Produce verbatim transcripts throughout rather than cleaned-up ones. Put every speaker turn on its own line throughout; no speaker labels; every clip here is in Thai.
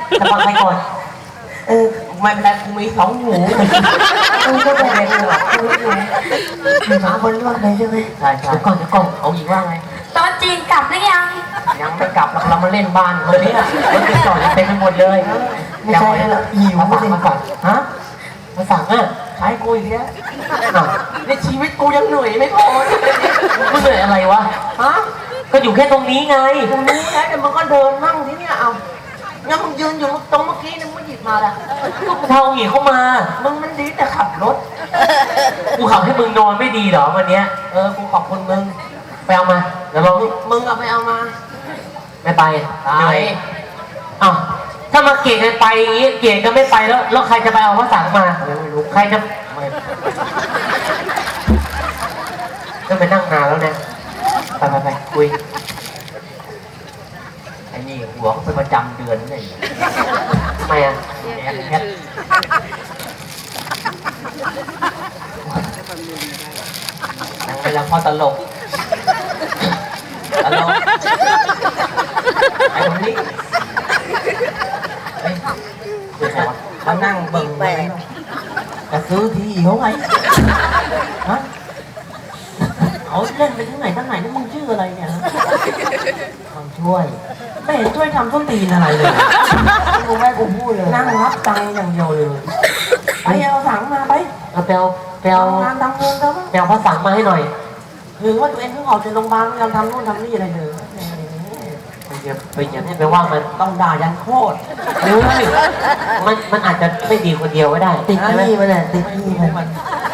จะฟังใครก่อนเออไม่เป็นไรกูมีสองหูกูก็ไม่เป็นหรอกมีสองคนว่าไงใช่ไหมใช่ใช่เดี๋ยวก่อนเดี๋ยวก่อนเอาอีกว่าไง
ตอนจีนกลับหรือยัง
ยังไม่กลับเรามาเล่นบ้านคนนี้รถติดต่อเต็มไปหมดเลยไม่ใช่แล้วหิวมาสั่งมาก่อนฮะมาสั่งอ่ะใช้กูอีกแล้วในชีวิตกูยังเหนื่อยไม่พอมึงเหนื่อยอะไรวะฮะก็อยู่แค่ตรงนี้ไงตรงนี้แล้วแต่มันก็เดินนั่งที่เนี่ยเอางั้นมึงยืนอยู่ตรงเมื่อกี้นึงมึงหยิบมาละลูกเท่าหญิงเข้ามามึงมันดีแต่ขับรถกูขับให้มึงนอนไม่ดีเหรอวันเนี้ยเออกูขอบคุณมึงไปเอามาเดี๋ยวลองมึงเอาไปเอามาไม่ไปเหนื่อยอ้าวถ้ามาเกลียดกันไปอย่างงี้เกลียดกันไม่ไปแล้วแล้วใครจะไปเอาพระสังมาไม่รู้ใครจะก็ไปนั่งนานแล้วเนี่ยไปไปไปคุยไอ้นี่หัวเขาเป็นประจำเดือนนี่ทำไมอ่ะแอบแอบนั่งเวลาพ่อตลกตลกไอ้ตรงนี้เขานั่งเบิ่งไปจะซื้อที่เขาไงฮะเขาเล่นไปที่ไหนทั้งไหนนี่มึงชื่ออะไรเนี่ยทำช่วยไม่เห็นช่วยทำต้นตีนอะไรเลยกูแม่กูพูดเลยนั่งรับตังค์อย่างเดียวเลยไปเอาสังมาไปเอาไปเอาไปเอางานทำเงินแล้วไปเอาพระสังมาให้หน่อยถึงว่าตัวเองเพิ่งออกจากโรงพยาบาลยังทำนู่นทำนี่อะไรเลยไปเยอะไปเยอะไปว่ามันต้องด่ายันโคตรเฮ้ยมันมันอาจจะไม่ดีคนเดียวก็ได้ติดที่มันแหละติดที่มันมัน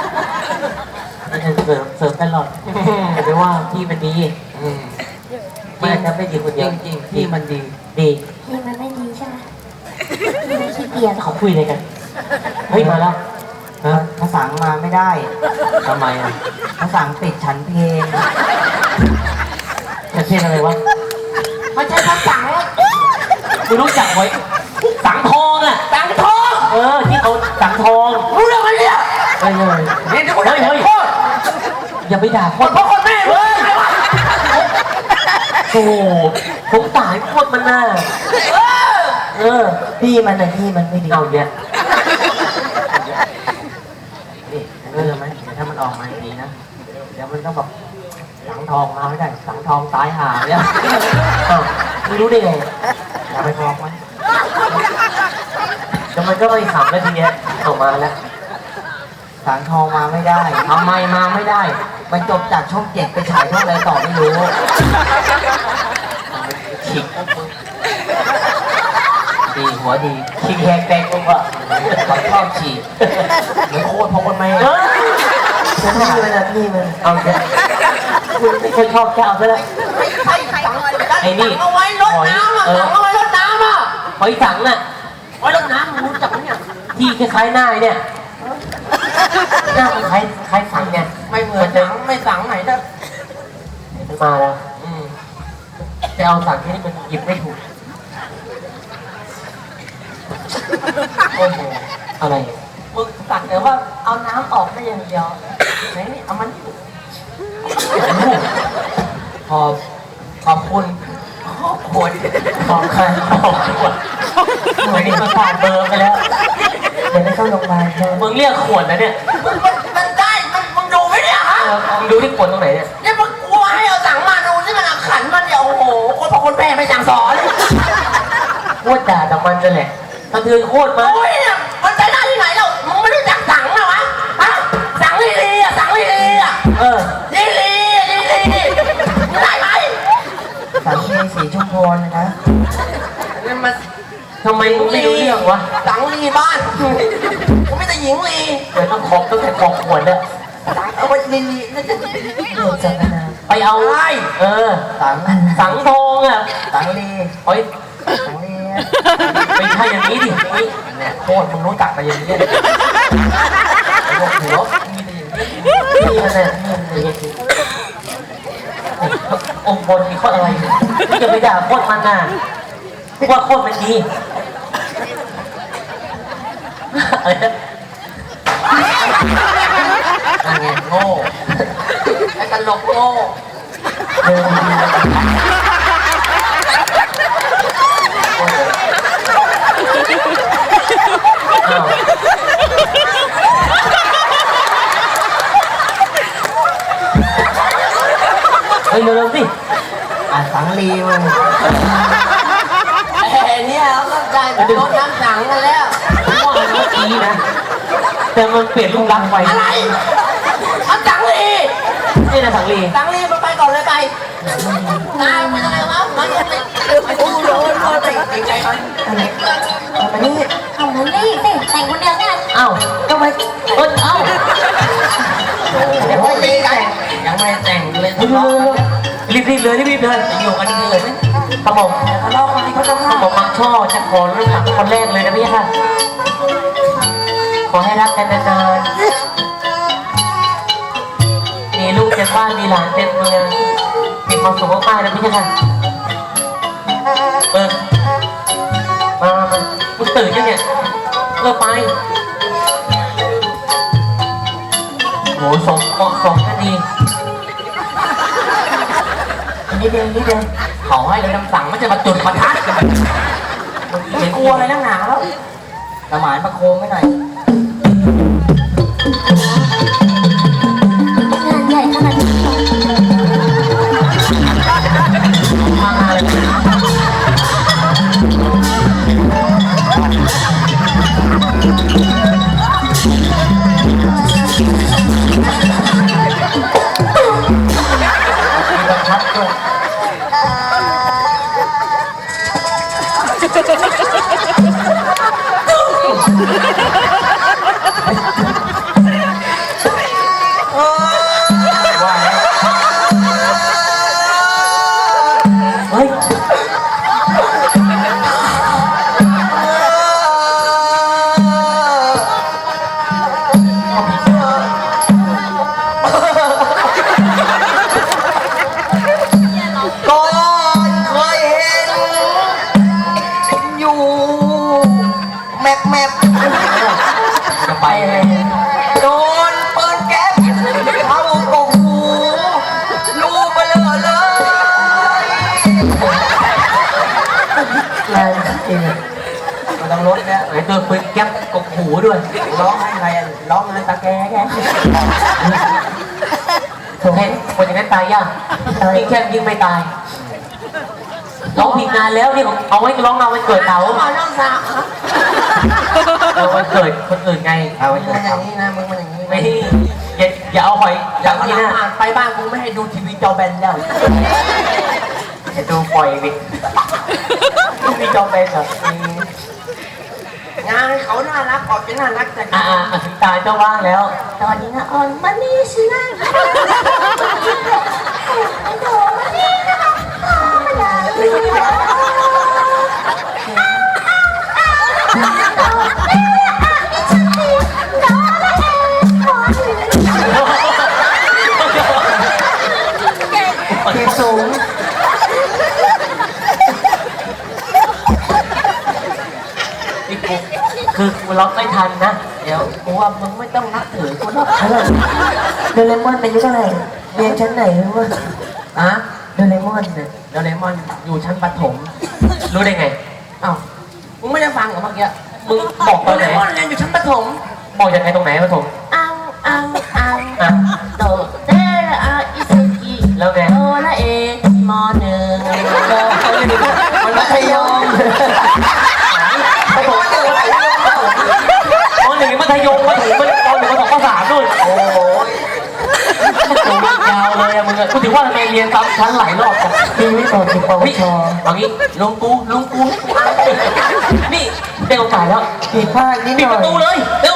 เสริมเสริมตลอดไปว่าพี่มันดีมันอาจจะไม่ดีคนเดียวจริงพี่มันดีดี
พี่มันไม่ดีใช่ไหมพี่ไม่ขี้เกียจ
เขาคุยอะไรกันเฮ้ยมาแล้วฮะภาษามาไม่ได้ทำไมอ่ะภาษาติดฉันเพลงฉันเพลงอะไรวะไม่ใช่ภาษาคุณรู้จักไว้สังทองอ่ะสังทองเออที่เขาสังทองรู้เรื่องไหมเนี่ยเฮ้ยเฮ้ยเฮ้ยเฮ้ยเฮ้ยอย่าไปด่าคนพ่อคนแม่เลยโอ้โหสงสารโคตรมันน่ะเออพี่มันน่ะพี่มันไม่ดีเอาเนี่ยนี่เรื่องไหมเดี๋ยวถ้ามันออกมาดีนะเดี๋ยวมันต้องแบบสังทองมาไม่ได้สังทองตายห่าเนี่ยอ้าวไม่รู้ได้ไงอย่าไปบอกมันแต่มันก็ไม่ขำแล้วทีเนี้ยออกมาแล้วสังทองมาไม่ได้ทำไมมาไม่ได้มันจบจากช่องเจ็ดไปฉายช่องอะไรต่อไม่รู้ฉีกดีหัวดีฉีกแหกแตกกูอ่ะเขาชอบฉีกเหมือนโคตรพอคนไม่ฉันพี่มันนะพี่มันเอาเถอะคุณไม่เคยชอบแค่เอาซะแล้วไอ้นี่เอาไว้รดน้ำอ่ะเอาไว้รดน้ำอ่ะหอยสังน่ะไว้รดน้ำมึงรู้จักไหมเนี่ยที่คล้ายๆหน้าเนี่ยหน้ามันคล้ายคล้ายสังเนี่ยไม่เหมือนสังไม่สังไหนนะมันมาแล้วอืมจะเอาสังที่นี่มันหยิบไม่ถูกโอ้โหอะไรมึงสั่งแต่ว่าเอาน้ำออกได้อย่างเดียวไหนนี่เอามันขอบขอบคุณขอบคุณขอบใครขอบคุณหน่วยนี้มันขาดเบอร์ไปแล้วเดี๋ยวไม่เข้าโรงพยาบาลมึงเรียกขวดนะเนี่ยมันมันได้มันมึงดูไหมเนี่ยฮะมึงดูที่ขวดตรงไหนเนี่ยเนี่ยมึงกลัวให้เอาสั่งมาดูที่มันขันมันเนี่ยโอ้โหคนพอคนแพ้ไม่สั่งสอนพูดด่าแต่มันจะแหละกระเทือนโคตรมาโอ้ยเนี่ยมันใช้ได้ที่ไหนเรามึงไม่รู้จักสั่งเหรอวะฮะสั่งลีลีอ่ะสั่งลีลีอ่ะเออลีลีลีลีได้ไหมสั่งลีสีชุมพรนะนี่มันทำไมมึงไม่รู้เรื่องวะสั่งลีบ้านกูไม่แต่หญิงลีเดี๋ยวต้องขอบต้องแต่ขอบขวดเนี่ยเอาไปลีลีน่าจะเดือดจังนะไปเอาไอ้เออสังสังทองอ่ะสังลีโอ้ยสังลีไม่ใช่อย่างนี้ดิเนี่ยโคตรมึงรู้จักมาอย่างนี้เลยพวกหัวมีแต่อย่างนี้นี่มันเนี่ยนี่มันอย่างนี้องค์บนมีข้ออะไรที่จะไปด่าโคตรมันน่ะว่าโคตรมันดีอะไรนะนั่นไงโง่ไอ้ตลกโง่เดินดีปีมึง
แต่เนี่ยเราก็ได้ไปลดน้ำหนังกันแล้ว
ผมว่าเมื่อกี้นะแต่มันเปลี่ยนรูปลักษณ์ไป
อะไรเอาจังลี
นี่นะสังลี
จังลีมันไปก่อนเลยไปตายมันอะไรวะมันยังไม่โอ้โหโดนโดนไปจริงใจมัน
มานี่เอามานี่สิแต่งคนเดียวกัน
อ้าวก็ไปเออเอ้า
เดี๋ยวไม่แต่งยังไม่แต่งเลยทะเลาะกัน
รีบรีบเลยรีบรีบเลยอยู่กันนี่เลยกระหม่อม
ทะเลาะกันที่เขาต้อง
กระหม่อมมังช่อจะขอเรื่องหลังคนแรกเลยนะพี่ค่ะขอให้รักกันนานๆมีลูกเต็มบ้านมีหลานเต็มเมืองมีความสุขมากๆนะพี่ค่ะเออมามามึงตื่นยังเนี่ยเออไปโหสมเหมาะสมกันดี
นิดเดียวนิดเดียวเขาให้เลยคำสั่งไม่จะมาจุดประทัดไม่กลัวอะไรนักหนาแล้วสมานประโคมไม่หน่อย
งานใหญ่ขนาดนี้
มาเลยมีประทัดด้วยว่าแล้วเฮ้ย
ก่อนเคยเห็นอยู่แมปแมป
จะไปเลย
โดนปืนแก๊ปเข้ากกหูลูกไปเลยเลย
แรงจริง
มันต้องลดเนี่ย
ไอ้ตัวปืนแก๊ปกกหูด้วย
ร้องให้ใครอะร้องให้ตาแกแก
ถูกเห็นคนอย่างนั้นตายยากยิงแค่ยิงไม่ตายร้องผิดงานแล้วนี่ผมเอาไว้ร้องเอาไว้เกิดเต๋า
เอาน้องสาว
เอาไว้เกิดคนอื่นไง
เอาไว้มันอย่างนี้นะมึงมันอย่างนี้
ไม่อย่าอย่าเอาหอยอ
อย่า
ย่าง
ง
นี้
นี้
นะ
นะไปบ้านกูไม่ให้ดูทีวีจอแบนแล้ว
อย่าดูปล่อยดิมีจอมเป็นเหรอง
านเขาน่ารักออกจะน่ารักแต่
อ่าอ่าถึงตาเจ้าว่างแล้ว
ตอนนี้นะอ่อนมานี่สินะโดมานี่นะคะมาได้เก็บสูง
นี่กูคือกูร้องไม่ทันนะ
เดี๋ยวกูว่ามึงไม่ต้องนับถือกูหรอก
โดเรมอนเป็นยุคเท่าไหร่เรียนชั้นไหนรู้ป่ะ
อะ
โดเรมอนเนี่ย
โดเรมอนอยู่ชั้นประถม
รู้ได้ไง
อ้าวมึงไม่ได้ฟังเหรอเมื่อกี้
มึงบอก
โด
ตอน
เร
ไหน
มอนเรียนอยู่ชั้นประถม
บอกยังไงตรงไหนปฐม
อังอังอัง
อ่ะ
โตเตระอาอิซุกิ
แล้วไง
โตละเอมอหนึ่งโตมันมัธยม
ปฐมตอนหนึ่งมัธยมมาถึงมันตอนหนึ่งมาสองภาษามนู่น
โอ้ย
ยาวเลยอะมึงอะกูถึงว่าทำไมเรียนซ้ำชั้นหลายรอบจัง
ปีนี้ต่อติดปว
เฮ้ย
ช
เอางี้
ลุงกูลุงกูให้กูอ่าน
นี่ได้โอกาสแล้ว
ผิดพลาดนิดห
ปิด
น่
ป
อย
ระตูเลยเร็ว